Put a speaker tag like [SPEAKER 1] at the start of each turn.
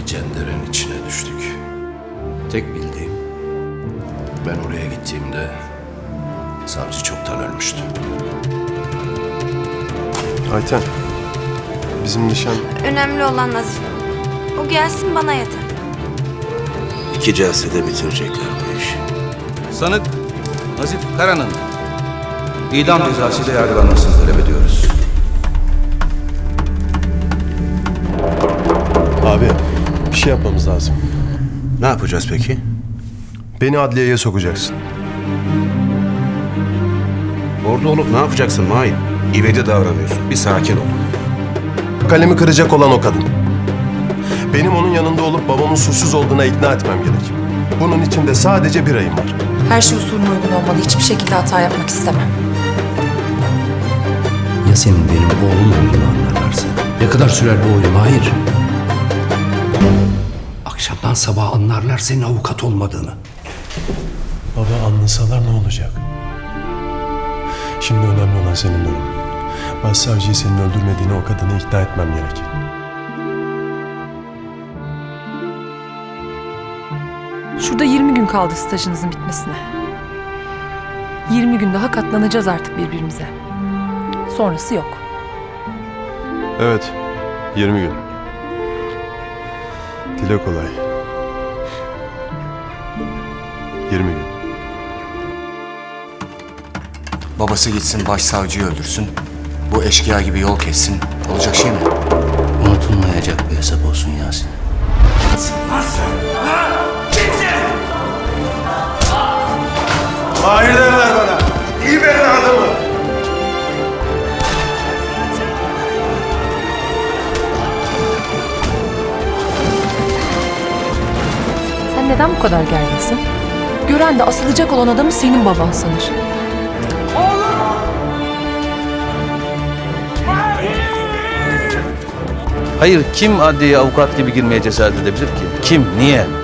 [SPEAKER 1] bir cenderenin içine düştük. Tek bildiğim, ben oraya gittiğimde savcı çoktan ölmüştü.
[SPEAKER 2] Ayten, bizim nişan...
[SPEAKER 3] Önemli olan Nazif. O gelsin bana yeter.
[SPEAKER 1] 2 celsede bitirecekler bu işi.
[SPEAKER 4] Sanık Nazif Kara'nın idam cezasıyla yargılanmasını talep ediyoruz.
[SPEAKER 2] Abi, bir şey yapmamız lazım.
[SPEAKER 1] Ne yapacağız peki?
[SPEAKER 2] Beni adliyeye sokacaksın.
[SPEAKER 1] Orada olup ne yapacaksın Mahir? İvedi davranıyorsun. Bir sakin ol.
[SPEAKER 2] Kalemi kıracak olan o kadın. Benim onun yanında olup babamın suçsuz olduğuna ikna etmem gerek. Bunun için de sadece bir ayım var.
[SPEAKER 5] Her şey usulüne uygun olmalı. Hiçbir şekilde hata yapmak istemem.
[SPEAKER 6] Ya senin benim oğlum olduğunu anlarlarsa? Ne kadar sürer bu oyun? Hayır. Akşamdan sabaha anlarlar senin avukat olmadığını.
[SPEAKER 2] Baba, anlasalar ne olacak? Şimdi önemli olan senin durumun. Başsavcıyı senin öldürmediğini o kadını ikna etmem gerek.
[SPEAKER 5] Şurada 20 gün kaldı stajınızın bitmesine. 20 gün daha katlanacağız artık birbirimize. Sonrası yok.
[SPEAKER 2] Evet, 20 gün. Dile kolay. 20 gün.
[SPEAKER 7] Babası gitsin başsavcıyı öldürsün. Bu eşkıya gibi yol kessin. Olacak şey mi?
[SPEAKER 6] Unutulmayacak bir hesap olsun Yasin.
[SPEAKER 2] Mahir derler bana. İyi benim adamı.
[SPEAKER 5] Sen neden bu kadar gerginsin? Gören de asılacak olan adamı senin baban sanır.
[SPEAKER 4] Hayır, kim adliyeye avukat gibi girmeye cesaret edebilir ki? Kim, niye?